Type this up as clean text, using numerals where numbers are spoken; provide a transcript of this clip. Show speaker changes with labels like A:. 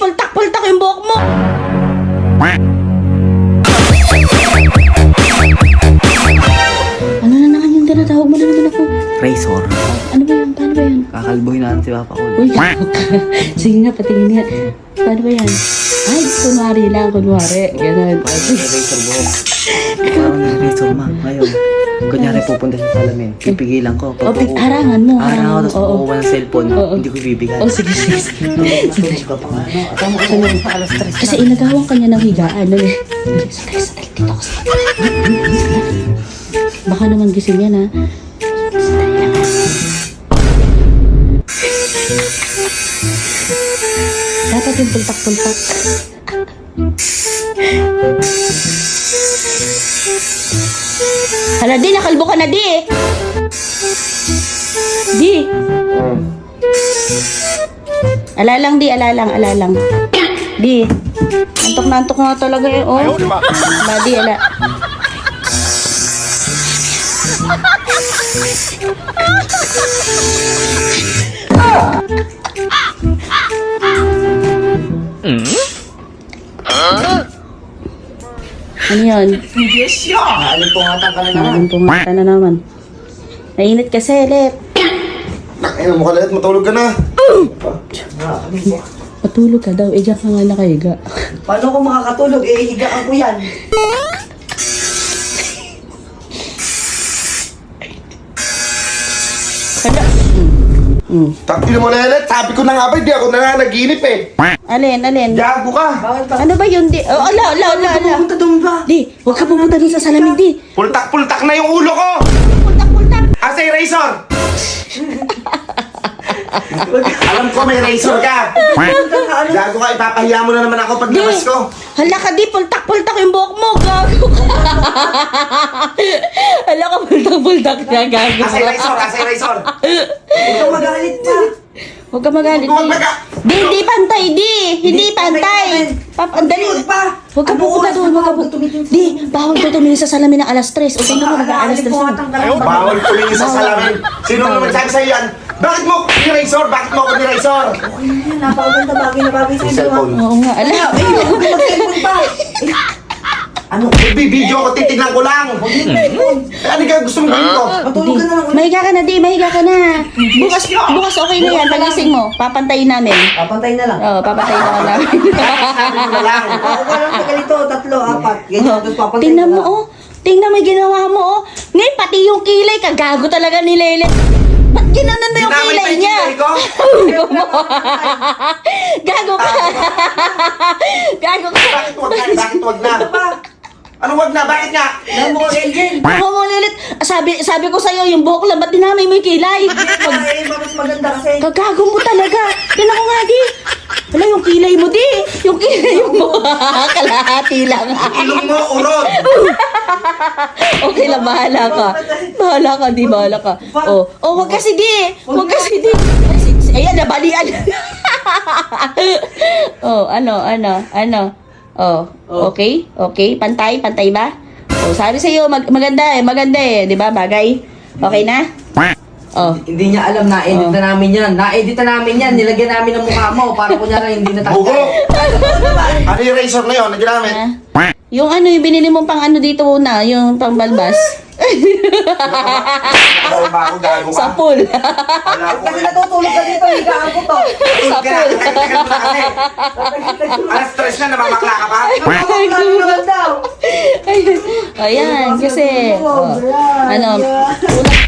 A: pultak-pultak yung buhok mo. Ano na naman yung tinatawag mo na naman ako?
B: Razor.
A: Ano ba yan? Paano ba yan?
B: Kakalboy natin si Papa ko.
A: Uy, sige nga, patingin nga. Paano ba yan? Ay, kunwari lang, kunwari. Ganun.
B: Razor buhok. Parang ng razor ma. Ngayon, kunyari pupunta sa salamin. Pipigilan ko.
A: O, harangan mo.
B: Araw, tapos
A: Oo.
B: kukuha ng cellphone.
A: Oo.
B: Hindi ko bibigyan.
A: Oh, sige, sige.
B: Tama ko sa alas 3.
A: Kasi inagawan ka niya ng higaan. Ano eh? Stress, dito ako sa baka naman gising yan, ha? Dapat yung pultak-pultak. Hala, di, nakalbo ka na, di. Di. Alalang, di, alalang. Di. Antok na antok nga talaga eh. Oh. Ala, di, ala. Ano yun?
B: Alimpungatan ka na naman.
A: Pumata na naman. Nainit kasi, Let.
C: Ayun mo ka lahat, matulog ka na.
A: Matulog ka daw. Diyan ka nga nakahiga.
B: Paano ko makakatulog? Eh, higaan ko yan.
A: Hala.
C: Takil mo lelet, sabi ko na nga ba, di ako na nga nag-iinip eh.
A: Alin?
C: Gago ka.
A: Ano ba yun, di? Oh, ala.
B: Pupunta doon ba?
A: Di, huwag ka pumunta dun sa salamin, di.
C: Pultak-pultak na yung ulo ko.
A: Pultak.
C: Asa yung razor? Alam ko may razor ka. Gago ka, ipapahiya mo na naman ako pag labas ko.
A: Hala ka, di. Pultak yung buhok mo. Gago ka. Hala ka, pultak na. Gago
C: Asa yung razor? Asa yung razor?
B: Ikaw magalit pa.
A: Huwag ka magalit.
C: Huwag maga-
A: Di, hindi pantay, di. Hindi pantay. Andali. Huwag ka pupunta doon. Huwag ka pupunta. Di, bawal ka tumingin sa salamin ng alas 3. O sino mo mag-aalas 3?
C: Bawal tumingin sa salamin. Sino naman sabi sa'yo yan? Bakit mo ni-razor? Bakit mo ako ni-razor?
B: Napakaganda bagay na bagay
C: Yung
B: sa'yo.
C: cellphone.
A: Oo nga, ala.
B: Mag-cellphone pa.
C: Ano? Video ko, titignan ko lang. Ano ka gusto mo gawin ko?
B: Matulog ka na lang.
A: Mahiga ka na, di. Mahiga ka na. Bukas okay na yan. Pagising mo. Papantayin namin.
B: Papantay na lang.
A: Oo, papantayin na namin.
C: Sabi ko na lang.
B: Ako lang sa ganito, 3, 4. Ganyan, tapos papantay
A: Tingnan
B: na
A: mo,
B: lang.
A: oh. Tingnan mo yung ginawa mo, oh. Ngayon, pati yung kilay, kagago talaga ni Lele. Ba't ginanon mo yung
C: Ginamit
A: kilay
C: pa yung
A: niya?
C: kilay ko?
A: Gago ka. Gago ka.
C: Bakit wag na? Bakit wag na? Ano wag na? Bakit nga?
B: Alam mo, Elgin.
A: Ako mo, Lilit. Sabi ko sa'yo, yung buhok lang, ba't dinamay mo yung kilay?
B: Ay, mas maganda kasi.
A: Kagago mo talaga. Tingnan ko nga, di. Wala, yung kilay mo, di. Yung kilay mo. Kalahati lang.
C: Ilong mo, urod.
A: Okay lang, bahala ka. Bahala ka, di. Bahala ka. Oh, wag kasi, di. Wag kasi, di. Ayan, nabalian. Oh, ano. Oh, okay? Okay, pantay ba? Oh, sabi sa'yo, maganda eh, di ba? Bagay. Okay na? Oh.
B: Hindi niya alam, na-edit na namin yan. Na-edit na namin yan. Nilagyan namin ng mukha mo para kunyari hindi
C: Bugo.
B: natanggal.
C: Ano yung razor na yun? Ano ginamit?
A: Yung ano, yung binili mong pang ano dito una, yung pang balbas.
C: Ano ba ako? Gago ka?
A: Sa pool.
C: Wala ko.
B: Kasi natutulog ka dito, higaan ko to.
A: Sa pool.
C: Tagal mo na kasi. Alas stress na, namamakla ka pa?
B: Naman daw.
A: Ayan, kasi, ano,